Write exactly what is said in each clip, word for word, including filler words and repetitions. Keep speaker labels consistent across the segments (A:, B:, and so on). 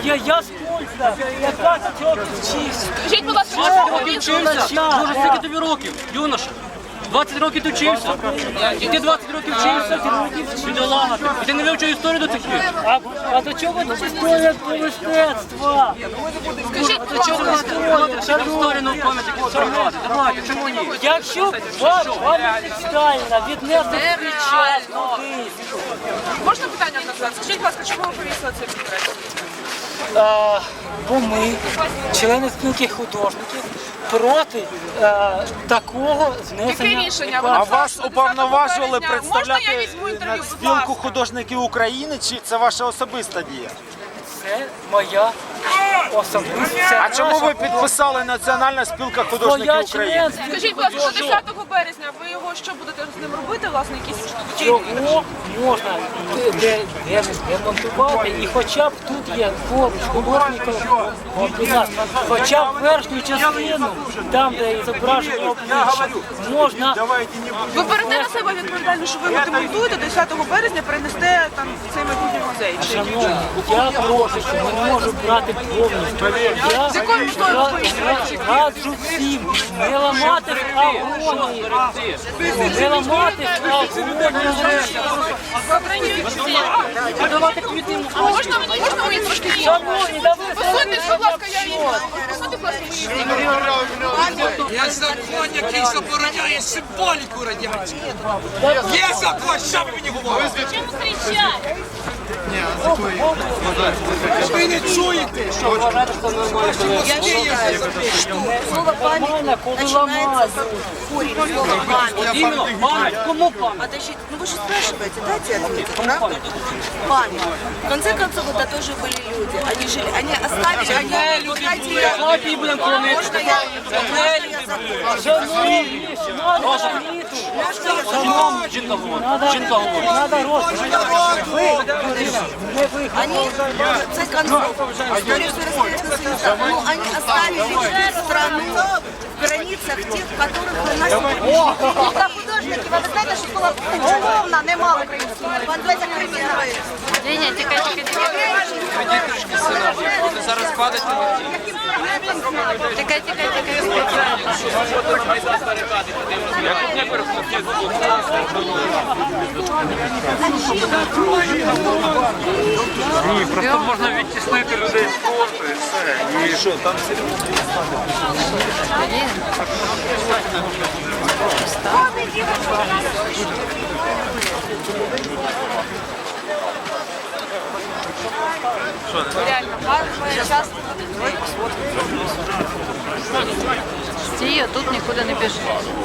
A: Я, я з Польща, я двадцять років вчився.
B: Скажіть, будь ласка,
C: двадцять
B: що
C: років вчився? Дуже скільки тобі років, юноша? двадцять років ти вчився? І ти двадцять років вчився? Бідолага ти. І ти не вивчив історію до цих пір?
A: А, а до чого тут історія про мистецтва?
B: Скажіть,
C: До чого ви історію? Історію на пам'ять якусь пригадати? Давайте, чому ні?
A: Якщо б вам пам'ятник Сталіна віднесли свій час кудись,
B: можна питання назад? Скажіть, будь ласка, чому ви повісили цей портрет?
A: а, бо ми, члени спілки художників, проти а, такого знесення.
B: Яке рішення?
A: реклами.
D: А вас уповноважували
B: Можна я
D: представляти
B: візьму інтерв'ю, будь
D: спілку
B: ласка?
D: художників України, чи це ваша особиста дія?
A: Це моя особиста.
D: А чому ви підписали Національна спілка художників
A: Моя
D: України?
A: членська
B: Скажіть, будь ласка, до десятого березня ви його що будете з ним робити, власне, якісь
A: Його можна де- де- де- демонтувати, і хоча б тут є поруч художників, хоча б верхню частину, там, де зображення обличчя, можна.
B: Ви берете на себе відповідальність, що ви його демонтуєте, десятого березня перенесете там в цей майбутній музей.
A: Шановні, я прошу, що не можу брати повністю. Я
B: З якою метою ви поїхали?
A: раджу всім не ламати агонії, не ламати агонії.
C: Давати квіти.
B: Можна мені, можна мені трошки її?
A: Шановні, да ви
B: Посуньте, будь ласка, я її. Посуньте, будь ласка, мої.
E: Є закон, який забороняє символіку радянську. Є закон, що ви мені говорите?
B: Чому кричать?
E: Ви не чуєте?
F: Слово память начинается с корень слова память.
C: Іменно, пам'ять. Кому пам'ять?
F: Подождите, ну вы же спрашиваете, дайте ответить, правда? Память. В конце концов, это тоже были люди. Они жили, они оставили, они, вы знаете, я-
C: Давайте її будемо кормити.
F: можно я, можно я закончу?
A: Шановні, надо світу.
F: Можно я
C: Жінка говорить. Жінка говорить.
A: Надо розвитку. Ви, не ви.
F: Они, в конце концов, история Советского Союза, ну, они оставили страну в границах тех, которых вы носите. Та художники, ви знаєте, що була головна, немало української мови. Подивіться кримінали.
B: Ні, ні, тікай, тікай, тікай.
E: Зараз падать на
B: Тікай, тікай, тікай.
G: Ні, просто можна відтіснити людей з спорту і все. І що, там
B: Реально, гарно, часто. Стій, а тут нікуди не біжи.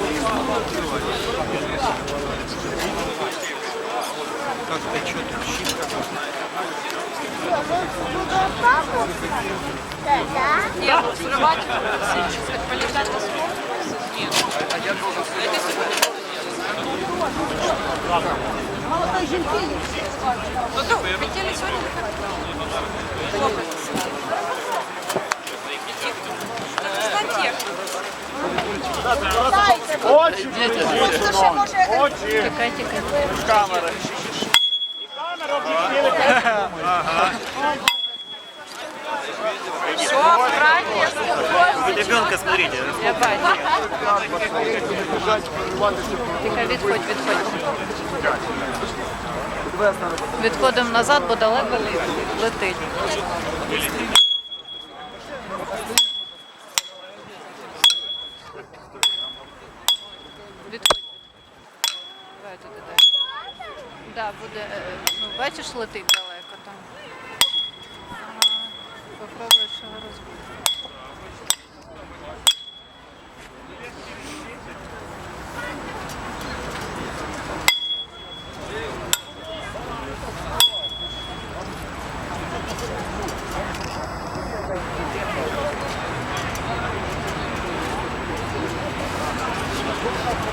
B: Ні, ну, зривати, політати на спорт. Ні. Дайте сьогодні. Ну то, хотіли сьогодні?
D: Очі!
B: Тікай, тікай.
D: Камери.
B: Все, правильно.
G: ребенка смотрите.
B: Я бачу. Тихо, відходь, відходь. Відходимо назад, бо далеко летить. Відходь. Давай туди дай. Да, буде, е, ну бачиш, летить далеко там. Ага. Попробуєш його розбити.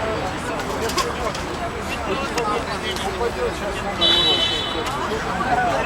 F: Thank you.